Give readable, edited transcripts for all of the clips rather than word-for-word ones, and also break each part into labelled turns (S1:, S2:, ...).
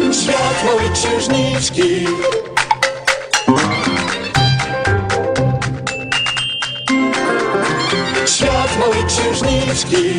S1: Świat małej księżniczki. Świat małej księżniczki.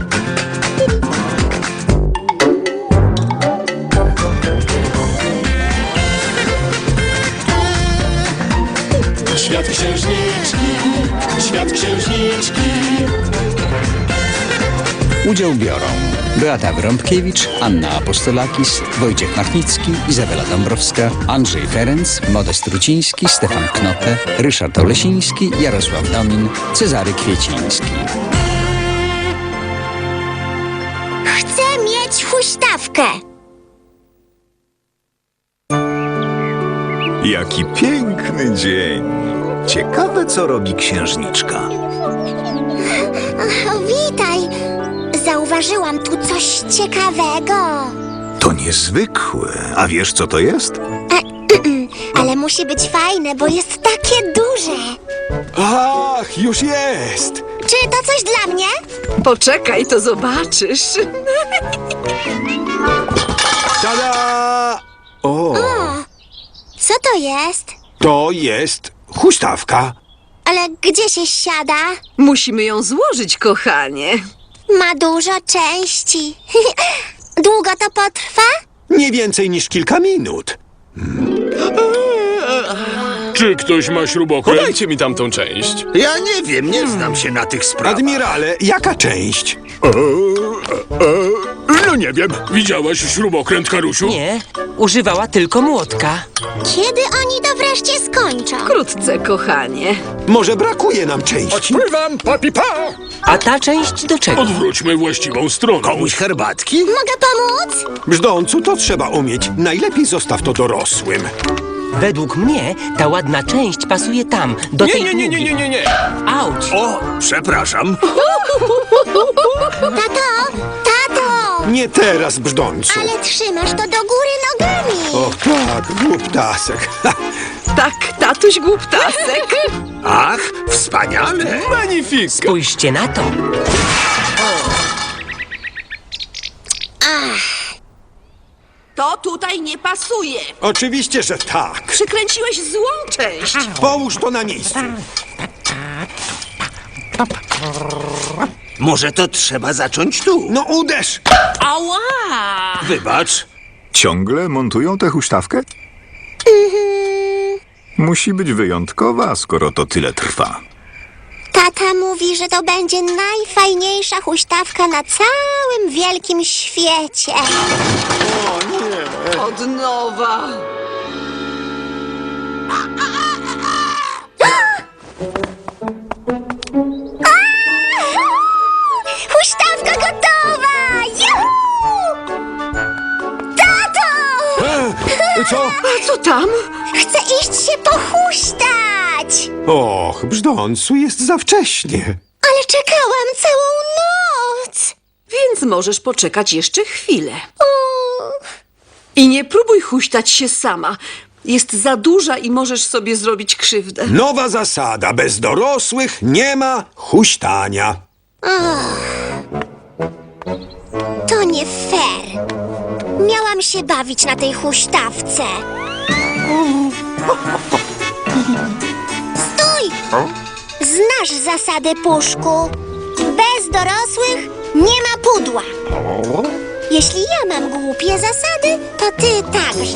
S1: Świat księżniczki. Świat księżniczki.
S2: Udział biorą Beata Wyrąbkiewicz, Anna Apostolakis, Wojciech Machnicki, Izabela Dąbrowska, Andrzej Ferenc, Modest Ruciński, Stefan Knope, Ryszard Olesiński, Jarosław Domin, Cezary Kwieciński.
S3: Chcę mieć huśtawkę.
S4: Jaki piękny dzień. Ciekawe, co robi księżniczka.
S3: Witaj. Zauważyłam tu coś ciekawego.
S4: To niezwykłe. A wiesz, co to jest?
S3: Ale musi być fajne, bo jest takie duże.
S5: Ach, już jest!
S3: Czy to coś dla mnie?
S6: Poczekaj, to zobaczysz.
S5: Tada! O,
S3: Co to jest?
S5: to jest huśtawka.
S3: Ale gdzie się siada?
S6: Musimy ją złożyć, kochanie.
S3: Ma dużo części. Długo to potrwa?
S5: Nie więcej niż kilka minut.
S7: Czy ktoś ma śrubokręt?
S8: Podajcie mi tamtą część.
S9: Ja nie wiem, nie znam się na tych sprawach.
S5: Admirale, jaka część?
S7: No nie wiem. Widziałaś śrubokręt, Karusiu?
S10: Nie, używała tylko młotka.
S3: Kiedy oni to wreszcie skończą?
S6: Wkrótce, kochanie.
S5: Może brakuje nam części?
S9: Pływam, papipa!
S10: A ta część do czego?
S7: Odwróćmy właściwą stroną.
S9: Komuś herbatki?
S3: Mogę pomóc?
S5: Brzdącu to trzeba umieć. Najlepiej zostaw to dorosłym.
S10: Według mnie ta ładna część pasuje tam, do tej długiej.
S8: Nie.
S10: Auć!
S9: O, przepraszam.
S3: Tato!
S5: Nie teraz, brzdącu.
S3: Ale trzymasz to do góry nogami.
S5: Och tak, głuptasek.
S6: Tak, tatuś głuptasek.
S9: Ach, wspaniale.
S8: Magnifik.
S10: Spójrzcie na to.
S6: To tutaj nie pasuje.
S5: Oczywiście, że tak.
S6: Przykręciłeś złą część.
S5: Połóż to na miejscu.
S9: Może to trzeba zacząć tu.
S5: No uderz!
S6: Ała!
S9: Wybacz.
S4: Ciągle montują tę huśtawkę? Musi być wyjątkowa, skoro to tyle trwa.
S3: Tata mówi, że to będzie najfajniejsza huśtawka na całym wielkim świecie.
S6: Od nowa.
S3: Huśtawka gotowa! Juhu! Tato!
S5: Co?
S6: A co tam?
S3: Chcę iść się pochuśtać!
S5: Och, brzdącu, jest za wcześnie.
S3: Ale czekałam całą noc!
S6: Więc możesz poczekać jeszcze chwilę.
S3: O,
S6: I nie próbuj huśtać się sama. Jest za duża i możesz sobie zrobić krzywdę.
S5: Nowa zasada. Bez dorosłych nie ma huśtania.
S3: to nie fair. Miałam się bawić na tej huśtawce. Stój! Znasz zasady, Puszku. Bez dorosłych nie ma pudła. Jeśli ja mam głupie zasady, to ty także.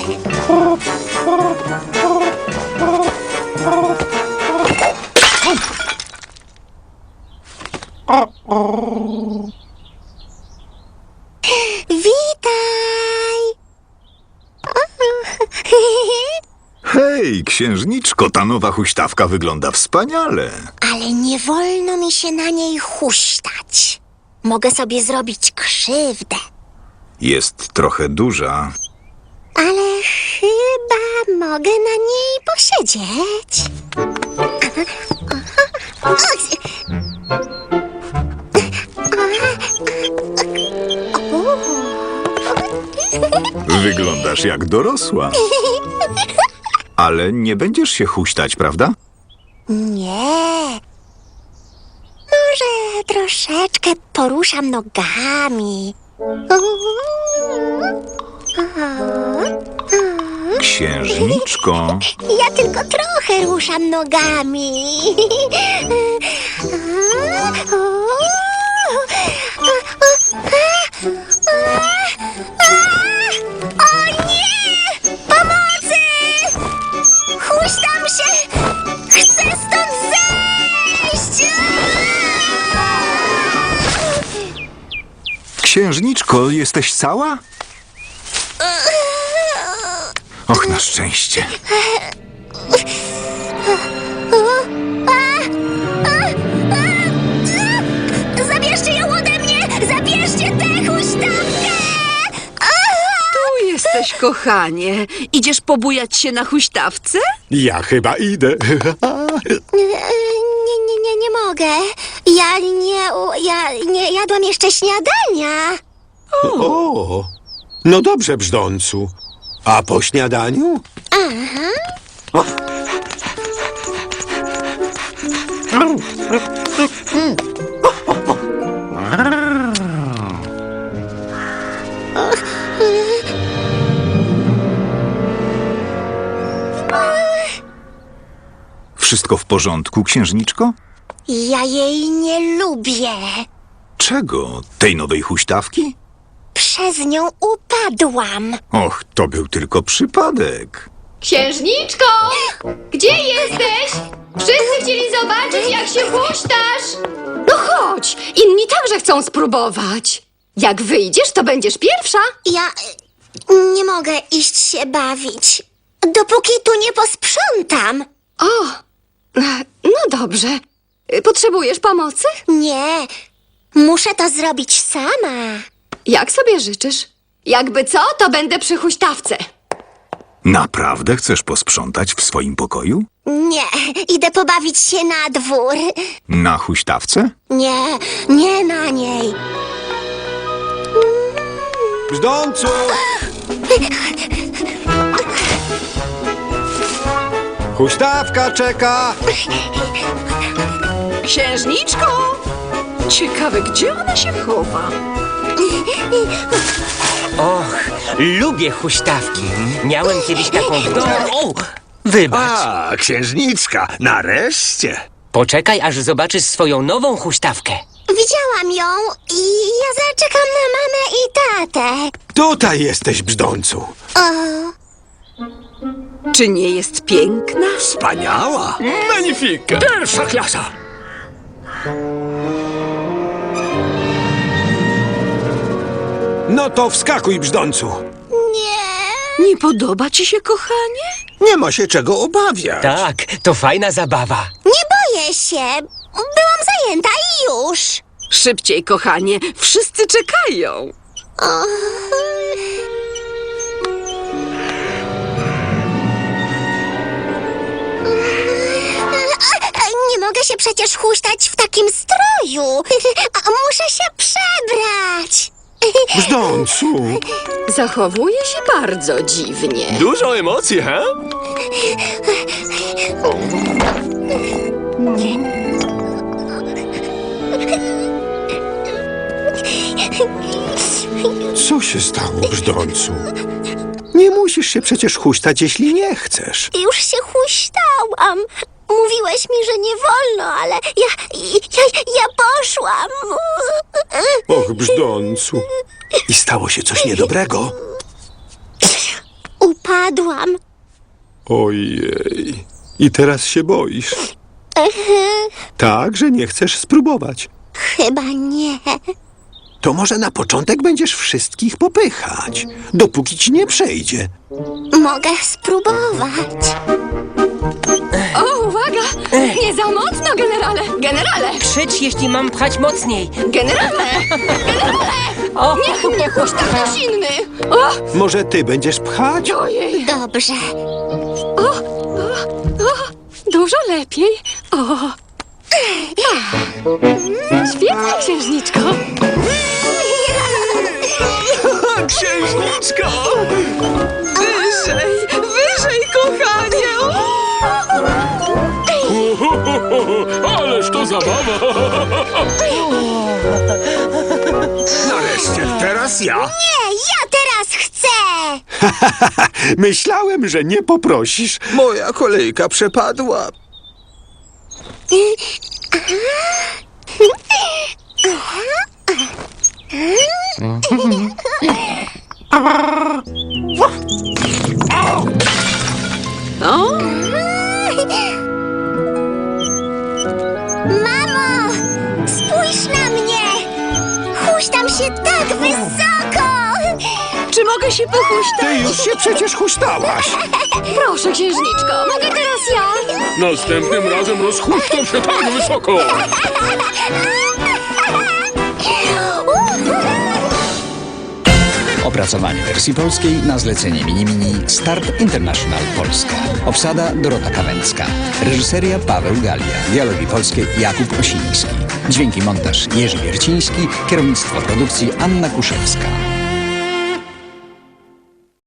S3: Witaj!
S4: Hej, księżniczko, ta nowa huśtawka wygląda wspaniale.
S3: Ale nie wolno mi się na niej huśtać. Mogę sobie zrobić krzywdę.
S4: Jest trochę duża.
S3: Ale chyba mogę na niej posiedzieć.
S4: Wyglądasz jak dorosła. Ale nie będziesz się huśtać, prawda?
S3: Nie. Może troszeczkę poruszam nogami.
S4: Księżniczko,
S3: Ja tylko trochę ruszam nogami. O nie! Pomocy! Huśtam się! Chcę stąd zejść!
S4: księżniczko, jesteś cała? Och, na szczęście.
S3: Zabierzcie ją ode mnie! Zabierzcie tę huśtawkę!
S6: Tu jesteś, kochanie. Idziesz pobujać się na huśtawce?
S5: Ja chyba idę.
S3: Nie mogę. Ja nie jadłam jeszcze śniadania.
S5: O, no dobrze, brzdącu. A po śniadaniu?
S4: Wszystko w porządku, księżniczko?
S3: Ja jej nie lubię.
S4: Czego? Tej nowej huśtawki?
S3: Przez nią upadłam.
S4: Och, to był tylko przypadek.
S8: Księżniczko! Gdzie jesteś? Wszyscy chcieli zobaczyć, jak się huśtasz. No chodź, inni także chcą spróbować. Jak wyjdziesz, to będziesz pierwsza.
S3: Ja nie mogę iść się bawić, dopóki tu nie posprzątam.
S8: O, no dobrze. Potrzebujesz pomocy?
S3: Nie, muszę to zrobić sama.
S8: Jak sobie życzysz? Jakby co, to będę przy huśtawce.
S4: Naprawdę chcesz posprzątać w swoim pokoju?
S3: Nie, idę pobawić się na dwór.
S4: Na huśtawce?
S3: Nie na niej.
S5: Brzdącu! Huśtawka czeka!
S6: Księżniczko! Ciekawe, gdzie ona się chowa?
S10: Och, lubię huśtawki. Miałem kiedyś taką w domu. O, wybacz.
S9: A, księżniczka, nareszcie.
S10: Poczekaj, aż zobaczysz swoją nową huśtawkę.
S3: Widziałam ją i ja zaczekam na mamę i tatę.
S5: Tutaj jesteś, brzdącu.
S6: Czy nie jest piękna?
S9: Wspaniała.
S7: Magnifika!
S9: Pierwsza klasa.
S5: No to wskakuj, brzdącu.
S6: Nie podoba ci się, kochanie?
S9: Nie ma się czego obawiać.
S10: Tak, to fajna zabawa.
S3: Nie boję się. Byłam zajęta i już.
S6: Szybciej, kochanie, wszyscy czekają.
S3: Nie mogę się przecież huśtać w takim stroju. Muszę się przebrać.
S5: Brzdącu!
S8: Zachowuje się bardzo dziwnie.
S7: Dużo emocji, he?
S5: Co się stało, brzdącu? Nie musisz się przecież huśtać, jeśli nie chcesz.
S3: Już się huśtałam. Mówiłeś mi, że nie wolno, ale ja poszłam.
S5: Och, brzdącu. I stało się coś niedobrego.
S3: Upadłam.
S5: Ojej. I teraz się boisz. Tak, że nie chcesz spróbować.
S3: Chyba nie.
S5: To może na początek będziesz wszystkich popychać, dopóki ci nie przejdzie.
S3: Mogę spróbować.
S8: O, uwaga! Nie za mocno, generale! Generale!
S10: Krzycz, jeśli mam pchać mocniej.
S8: Generale! Generale!
S10: O,
S8: Niech mnie huśta ktoś inny! O,
S5: Może ty będziesz pchać?
S8: ojej!
S3: Dobrze.
S8: Dużo lepiej. O! Świetnie, księżniczko!
S7: Księżniczko!
S6: Wyżej, wyżej, kochanie!
S7: Ależ to zabawa!
S9: Nareszcie, teraz ja.
S3: Nie, ja teraz chcę.
S5: Myślałem, że nie poprosisz.
S9: Moja kolejka przepadła.
S6: O,
S3: Mamo, spójrz na mnie! Huśtam się tak wysoko!
S6: czy mogę się pochuśtać?
S5: Ty już się przecież huśtałaś.
S8: Proszę, księżniczko, mogę teraz ja?
S7: Następnym razem rozhuśtam się tak wysoko.
S2: Opracowanie wersji polskiej na zlecenie Mini Start International Polska. Obsada Dorota Kawęcka. Reżyseria Paweł Galia. Dialogi polskie Jakub Osiński. Dźwięki montaż Jerzy Wierciński. Kierownictwo produkcji Anna Kuszewska.